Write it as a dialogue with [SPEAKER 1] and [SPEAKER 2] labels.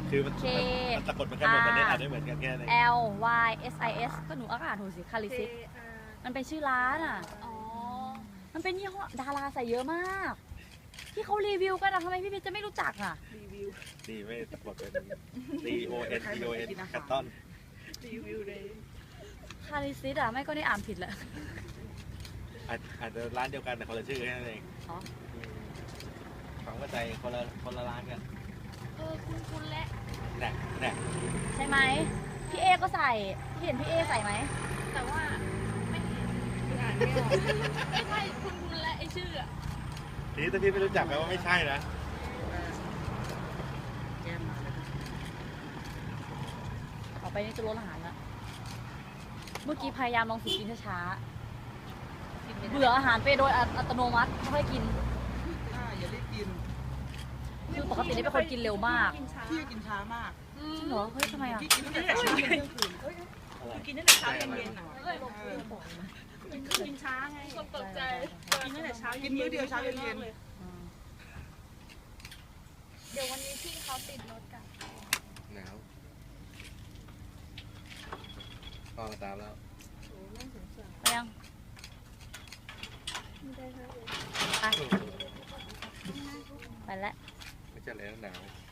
[SPEAKER 1] คือมัน
[SPEAKER 2] K
[SPEAKER 1] มันสะกดมันแค่หมดมันได้อ่านได้เหมือนกันแค่นั้น
[SPEAKER 2] L Y S I S ก็หนูอ่านถูกสิคาริซิสมันเป็นชื่อร้านอ่ะมันเป็นยี่ห้อดาราใส่เยอะมาก ที่เขารีวิวกันอะทำไมพี่เพชรจะไม่รู้จักอ่ะ
[SPEAKER 1] ดีไม่สะกดเป็น C O N T O N คัตตอน
[SPEAKER 2] คาริซิสอ่ะไม่ก็ได้อ่านผิดแหละ
[SPEAKER 1] อาจจะร้านเดียวกันแต่คนละชื่อแค่นั้นเอง
[SPEAKER 2] อ๋อ
[SPEAKER 1] ความเข้าใจคนละร้านกัน
[SPEAKER 2] คุณและ
[SPEAKER 1] แน่
[SPEAKER 2] ใช่ไหมพี่เอก็ใส่พี่เห็นพี่เอใส่ไหม
[SPEAKER 3] แต่ว่าไม่เห็นอ่านไม่ออกไม่ใช่คุณและไอชื่ออะ
[SPEAKER 1] ทีนี้ถ้าพี่ไม่รู้จักแปลว่าไม่ใช่นะ
[SPEAKER 2] ต่อไปนี่จะลดอาหารละเมื่อกี้พยายามลองฝึกกินช้าๆเบื่ออาหารไปโดยอัตโนมัติไม่ค่อยกิน
[SPEAKER 4] อย่ารีบกิน
[SPEAKER 2] คือปกตินี่เป็นคนกินเร็วมาก
[SPEAKER 4] พี่กินช้ามาก
[SPEAKER 2] จริงเหรอเฮ้ยทำไมอ่ะ
[SPEAKER 4] พี่กินตั้งแต่เช้าเย็นคืน
[SPEAKER 3] กินตั้งแต่เช้าเย็นๆอ่ะกินช้าไงคนตกใจกินตั้งแต่เช้า
[SPEAKER 4] กินมื้อเดียวเช้าเย็น
[SPEAKER 2] อืม
[SPEAKER 3] เดี๋ยววันนี้พี่เขาติดรถกัน
[SPEAKER 1] หนาวพ่อมาตามแล้ว
[SPEAKER 2] ไปยังไปไปแล้ว
[SPEAKER 1] ไม่ใช่แล้วหนาว